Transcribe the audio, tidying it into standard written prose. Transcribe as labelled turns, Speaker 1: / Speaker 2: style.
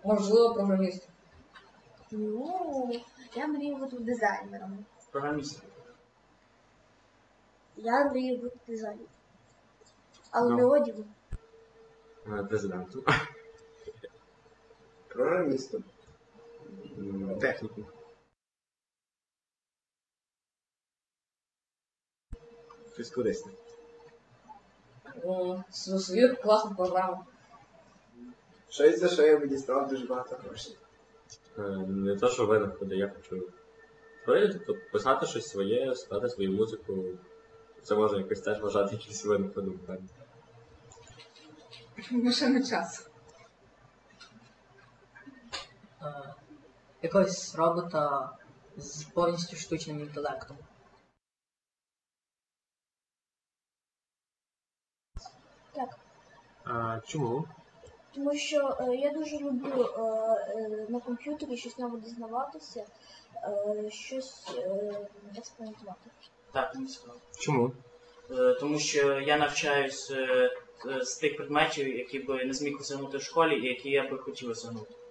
Speaker 1: Можливо, програмістом.
Speaker 2: Ну, я мрію бути дизайнером.
Speaker 3: Програмістом.
Speaker 2: Я мрію бути дизайнером. Але не одягу.
Speaker 4: Президентом.
Speaker 3: Програмістом.
Speaker 4: Техніком. Щось корисне.
Speaker 1: Свою класну програму.
Speaker 3: Щось, за що я би дістав дуже багато грошей.
Speaker 4: Не то, що винаходи, я хочу створити, тобто писати щось своє, складати свою музику. Це можна якось теж вважати якимось винаходом.
Speaker 1: Машина часу.
Speaker 5: Якогось робота з повністю штучним інтелектом.
Speaker 2: Так.
Speaker 4: Чому?
Speaker 2: Тому що я дуже люблю на комп'ютері щось нове дізнаватися, щось експериментувати.
Speaker 6: Так, мені цікаво.
Speaker 4: Чому?
Speaker 6: Тому що я навчаюсь з тих предметів, які би не зміг осягнути в школі і які я би хотів осягнути.